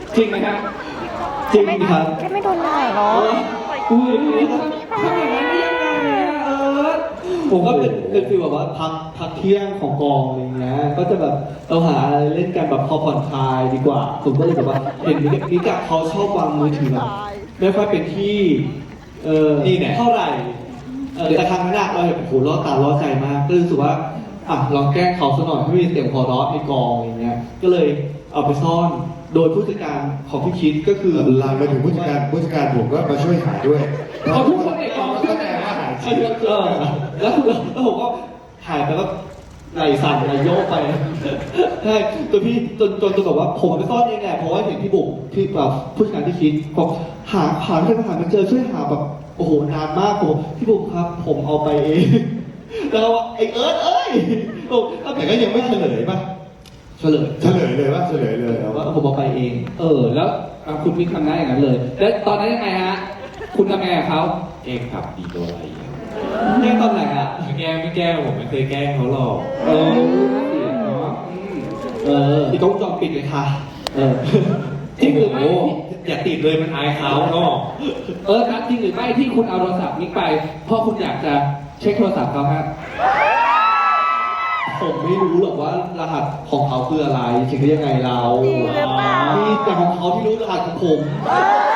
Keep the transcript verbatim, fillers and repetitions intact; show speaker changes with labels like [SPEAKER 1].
[SPEAKER 1] จริงไหมครับ
[SPEAKER 2] จริงครับ
[SPEAKER 3] แค่ไม่โดนด่าหรอ
[SPEAKER 1] อุ้ยทำอย่างนั้นได้ยังไงอะเออ
[SPEAKER 2] ผมก็เป็นเป็นฟีลแบบว่าพักพักเที่ยงของกองอะไรเงี้ย ก็จะแบบเราหาอะไรเล่นกันแบบพอผ่อนคลายดีกว่า ผมก็เลยแบบว่าเห็นนิกนิกอะเขาชอบวางมือถือแบบไม่ค่อยเป็นที่ เออ
[SPEAKER 4] นี่เนี่ย
[SPEAKER 2] เท่าไหร่เออแต่ครั้งนั้นอะเราเห็นโอ้โหล่อตาล่อใจมาก ก็เลยรู้สึกว่าอ่ะลองแกล้งเขาสักหน่อยให้มีเสียงหัวเราะในกองอะไรเงี้ย ก็เลยเอาไปซ่อน โดยผู้จัดการของพี่คิดก็คือ
[SPEAKER 4] ลามไปถึงผู้จัดการผู้จัดการผมก็มาช่วยหาด้วย
[SPEAKER 1] เอาทุกคนในกองมาช่วย
[SPEAKER 4] แสดงว่าหาจ
[SPEAKER 2] เอ
[SPEAKER 4] ริง
[SPEAKER 2] อเออแล้วคือแล้วผมก็หายไปแล้วไหลสั่นไหลโยกไปใช่จนพี่จนจนจนแบบว่าผมไปซ่อนเองแหละเพราะว่าเห็นพี่บุ๋มพี่แบบผู้จัดการที่คิดบอกหาหาไม่หาไม่เจอช่วยหาแบบโอ้โหนานมากผมพี่บุ๋มครับ ผมเอาไปเองแล้วก็ว่าไอ้เอิร์ธเอ้ยโอ้
[SPEAKER 4] แต่ก็ยังไม่เฉลยป่ะ
[SPEAKER 2] เฉลย
[SPEAKER 4] เฉลยเลยว่าเฉลยเลย
[SPEAKER 2] ว่าผมเอาไปเอง
[SPEAKER 1] เออ แล้วอ่ะคุณมิกทำได้อย่างนั้นเลย แล้วตอนนั้นยังไงฮะ คุณทำไงกับเขา
[SPEAKER 5] แกล้งขับดีตัวอะไรอ่ะ
[SPEAKER 2] แก้ตอนไหนอ่ะ
[SPEAKER 5] ไม่แกล้งไม่แกล้งผมไม่เคยแกล้งเขาหรอก
[SPEAKER 2] เออ
[SPEAKER 1] เนาะอืม
[SPEAKER 2] เอออีกกล้องวงจรปิดเลยค่ะเออ
[SPEAKER 1] จริงหรือไม่
[SPEAKER 5] โอ้โอย่าติดเลยมันอายเขาเนาะ
[SPEAKER 1] เออครับจริงหรือไม่ที่คุณเอาโทรศัพท์มิกไป เพราะคุณอยากจะเช็คโทรศัพท์เขาครับ
[SPEAKER 2] ผมไม่รู้หรอกว่ารหัสของเขาคืออะไรเช็คได้ยังไงเรา
[SPEAKER 3] จริงหรือเปล่า
[SPEAKER 2] มีแต่ของเขาที่รู้รหัสของผม
[SPEAKER 3] เออ